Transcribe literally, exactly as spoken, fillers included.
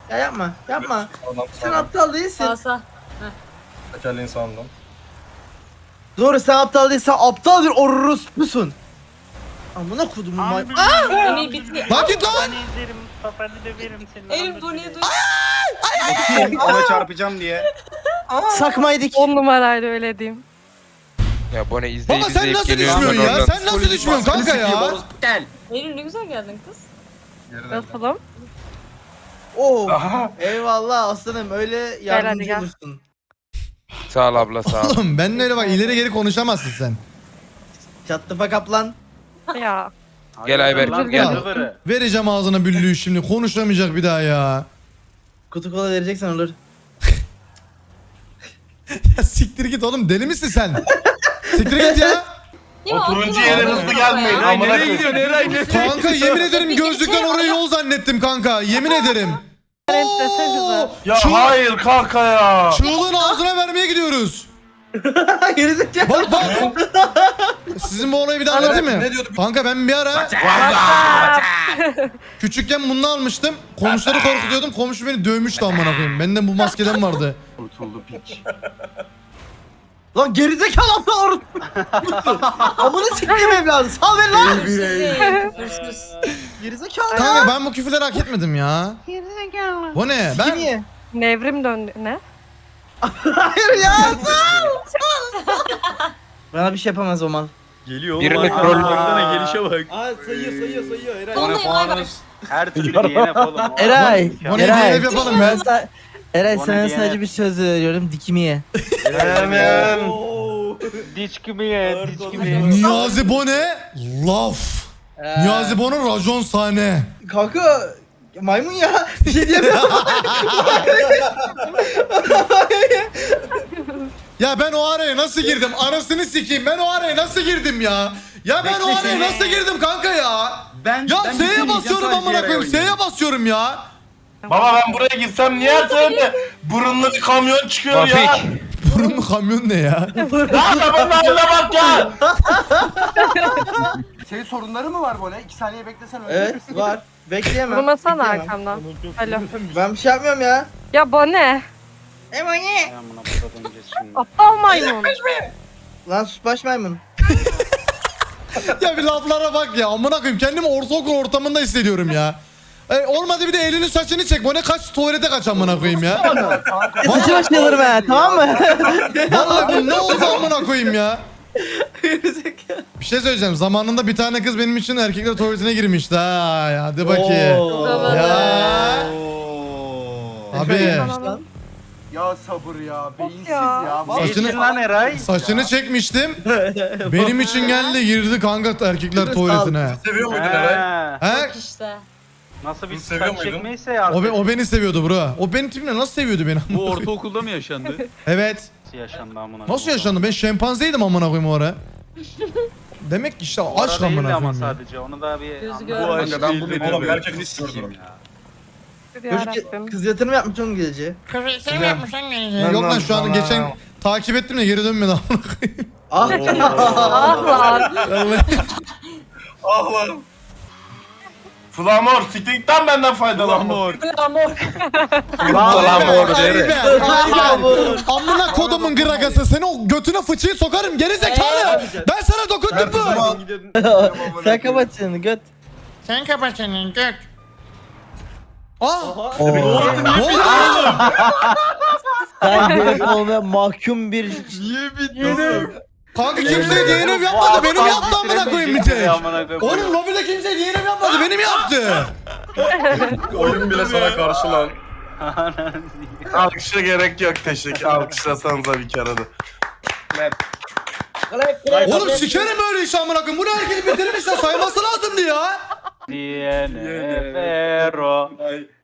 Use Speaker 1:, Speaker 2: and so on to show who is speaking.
Speaker 1: Ya yapma yapma.
Speaker 2: Sağdan
Speaker 1: Sen
Speaker 2: sağdan.
Speaker 1: aptal değilsin.
Speaker 3: Sağ sağ.
Speaker 2: Tekerleğin sağından.
Speaker 1: Doğru sen aptal değilsen aptal bir orospusun. Amına kodumun may... Aa!
Speaker 3: Yemeği bitti.
Speaker 4: Lan git lan.
Speaker 5: Ben izlerim. Kafanı döverim senin.
Speaker 3: Elim Bonnie'ye dur.
Speaker 6: Bakayım ona çarpacağım diye.
Speaker 1: Sakmaydık.
Speaker 7: On numaraydı öyle diyeyim.
Speaker 8: Ya bu ne izleyip
Speaker 4: Baba sen
Speaker 8: izleyip
Speaker 4: nasıl
Speaker 8: geliyorum
Speaker 4: düşmüyorsun
Speaker 8: ben
Speaker 4: ya?
Speaker 8: oradan.
Speaker 4: Sen nasıl düşmüyorsun kanka ya?
Speaker 6: Gel.
Speaker 3: Eylül ne güzel geldin kız.
Speaker 7: Nasılım?
Speaker 1: Oo.
Speaker 2: Aha.
Speaker 1: Eyvallah aslanım öyle yardımcı
Speaker 7: gel.
Speaker 1: olursun.
Speaker 8: Sağ ol abla sağ ol.
Speaker 4: Oğlum benimle öyle bak ileri geri konuşamazsın sen.
Speaker 1: Çattı fakap lan.
Speaker 7: Ya.
Speaker 8: Gel Ayberk,
Speaker 5: Lan
Speaker 4: gel.
Speaker 5: zıvırı.
Speaker 4: Vereceğim ağzına büllüğü şimdi konuşamayacak bir daha ya.
Speaker 1: Kutu kola vereceksen olur.
Speaker 4: Ya siktir git oğlum deli misin sen? Siktir git ya.
Speaker 3: Ya,
Speaker 2: turuncu
Speaker 3: aklına
Speaker 2: yere
Speaker 3: aldım
Speaker 2: hızlı
Speaker 3: ya.
Speaker 2: gelmeyin.
Speaker 3: Ya.
Speaker 2: Amına
Speaker 5: Nereye
Speaker 2: koyayım.
Speaker 5: gidiyor? Nereye gidiyor?
Speaker 4: Kanka yemin ederim
Speaker 3: Peki,
Speaker 4: gözlükten
Speaker 3: bir şey
Speaker 4: oraya
Speaker 3: var.
Speaker 4: yol zannettim kanka. Yemin ederim.
Speaker 7: Renklesenize.
Speaker 2: Ya
Speaker 4: Çığ-
Speaker 2: hayır kanka ya.
Speaker 4: Çığlığın ağzına vermeye gidiyoruz.
Speaker 1: Gerizekalı.
Speaker 4: Bak bak. Sizin bu olayı bir daha anlatayım mı?
Speaker 2: Ne diyordu?
Speaker 4: Kanka ben bir ara küçükken bunu almıştım. Komşuları korkutuyordum. Komşu beni dövmüştü amına koyayım. Bende bu maskeden vardı.
Speaker 6: Kurtuldu piç.
Speaker 1: Lan gerizekalı aptal orospu. Amına sikeyim evladı. Sal beni lan.
Speaker 3: Hırsız.
Speaker 1: Gerizekalı ya.
Speaker 4: Kanka ben bu küfürleri hak etmedim ya. Bu ne?
Speaker 1: Ben...
Speaker 4: Ben
Speaker 1: Niye?
Speaker 7: Nevrim döndü. Ne?
Speaker 1: Hayır ya. Sal. Sal. Bana bir şey yapamaz o mal.
Speaker 6: Geliyor
Speaker 8: Birini
Speaker 6: oğlum.
Speaker 8: troll-
Speaker 6: Aa, gelişe bak.
Speaker 1: Aa sayıyor sayıyor sayıyor Eray.
Speaker 6: Bana
Speaker 3: Vallahi Ayberk.
Speaker 6: puanız.
Speaker 5: Her türlü D N F oğlum.
Speaker 1: Eray.
Speaker 4: Bu ne
Speaker 1: Eray.
Speaker 4: diye yapalım
Speaker 1: Ben
Speaker 4: ben.
Speaker 1: sa- Eray
Speaker 5: Bana
Speaker 1: sana
Speaker 5: diye-
Speaker 1: sadece bir söz veriyorum dikimi ye.
Speaker 2: Hemen.
Speaker 5: Diç gibi ye. Diç gibi ye.
Speaker 4: Niyazi Bone laf. Niyazi Bone'un racon sahne.
Speaker 1: Kanka maymun ya. Bir şey diyemiyorum.
Speaker 4: Ya ben o araya nasıl girdim? Anasını sikeyim. Ben o araya nasıl girdim ya? Ya ben o
Speaker 6: Bekle
Speaker 4: araya
Speaker 6: seni.
Speaker 4: nasıl girdim kanka ya?
Speaker 6: Ben
Speaker 4: Ya
Speaker 6: ben
Speaker 4: S'ye
Speaker 6: bitirmeyeceğim,
Speaker 4: basıyorum
Speaker 6: sadece
Speaker 4: amına
Speaker 6: yere
Speaker 4: koyayım.
Speaker 6: oynayacağım.
Speaker 4: S'ye basıyorum ya.
Speaker 2: Baba ben buraya gitsem niye söyle? Burunlu bir kamyon çıkıyor ya.
Speaker 8: Mafik.
Speaker 4: Burunlu kamyon ne ya?
Speaker 2: Lan adamın haline bak ya.
Speaker 6: Senin sorunları mı var bu ne? İki saniye beklesen öyle.
Speaker 1: Evet var. Bekleyemem.
Speaker 7: Vurmasana
Speaker 1: Bekleyemem.
Speaker 7: arkamdan. Alo.
Speaker 1: Ben bir şey yapmıyorum ya.
Speaker 7: Ya bu ne?
Speaker 1: Emo ne?
Speaker 5: Ben buna burada döneceğiz şimdi.
Speaker 7: Aptal maymun.
Speaker 1: Lan sus baş maymun.
Speaker 4: Ya bir laflara bak ya. Amına koyayım. Kendimi ortaokul ortamında hissediyorum ya. E, olmadı bir de elini saçını çek. Bu ne kaç tuvalete kaç amına koyayım ya.
Speaker 1: Saçı başlayalım he tamam mı?
Speaker 4: Vallahi bu ne oldu amına koyayım ya. Bir şey söyleyeceğim. Zamanında bir tane kız benim için erkekler tuvaletine girmişti ha. Ya, hadi bakayım.
Speaker 1: Oo.
Speaker 4: Ya. Abi.
Speaker 7: Tamam.
Speaker 6: Ya sabır ya. Beyinsiz
Speaker 7: ya.
Speaker 6: ya.
Speaker 5: Ne
Speaker 4: Saçını-
Speaker 5: için lan Eray?
Speaker 4: Saçını çekmiştim. Benim için geldi girdi kanka erkekler tuvaletine.
Speaker 2: Seviyor muydun Eray?
Speaker 5: Ha.
Speaker 4: He?
Speaker 3: Bak işte.
Speaker 5: Nasıl bir
Speaker 2: Bunu seviyor
Speaker 5: saç
Speaker 2: muydun?
Speaker 5: çekmeyse ya.
Speaker 4: O, be- o beni seviyordu bro. O benim tipimle nasıl seviyordu beni?
Speaker 9: Bu ortaokulda mı yaşandı?
Speaker 4: Evet.
Speaker 5: Nasıl yaşandı amına?
Speaker 4: Nasıl yaşandı? Ben şempanzeydim amına koyayım o ara. Demek ki işte
Speaker 5: O ara
Speaker 4: aşk
Speaker 5: değildi
Speaker 4: amına
Speaker 5: ama
Speaker 4: koyayım ya.
Speaker 5: sadece onu da bir
Speaker 3: Gözü
Speaker 5: anladım.
Speaker 3: görmüyor.
Speaker 9: Bu aşk
Speaker 2: Kanka ben bu
Speaker 9: değil.
Speaker 2: oğlum gerçek
Speaker 6: Sikeyim
Speaker 2: istiyorum.
Speaker 6: ya.
Speaker 1: Çocuk
Speaker 7: Yarabbim.
Speaker 1: kız yatırım yapmış onun gece.
Speaker 4: Yok lan şu an geçen takip ettim de geri dönmedi amına koyayım.
Speaker 1: Ah.
Speaker 7: Ah lan.
Speaker 4: Vallahi.
Speaker 2: Ah lan. Flamor, siktikten benden faydalan.
Speaker 9: Amor.
Speaker 3: Amor.
Speaker 4: Ayber, Ayber,
Speaker 1: Bravo.
Speaker 4: Ayber. Amına kodumun gıragası seni o götüne fıçıyı sokarım geri zekalı. Ben sana dokundum mu?
Speaker 1: Sen kapat çeneni göt.
Speaker 4: Sen kapat senin gök. Aa!
Speaker 1: Oo.
Speaker 4: Ne oldu oğlum?
Speaker 1: Sen gelip olmaya mahkum bir...
Speaker 9: Niye bitmiyorsun?
Speaker 4: Kanka kimse D N F yapmadı benim yaptı amına koyayım bir tek.
Speaker 5: Amına koyayım.
Speaker 4: Oğlum lobide kimse D N F yapmadı benim yaptı.
Speaker 2: Oyun bile sana karşı lan. Alkışa gerek yok teşekkür. Alkışlasanıza bir kere de.
Speaker 4: Oğlum sikerim böyle iş amına koyayım. Bunu herkes bitirmiş ya sayması lazımdı ya.
Speaker 5: D N F Ero.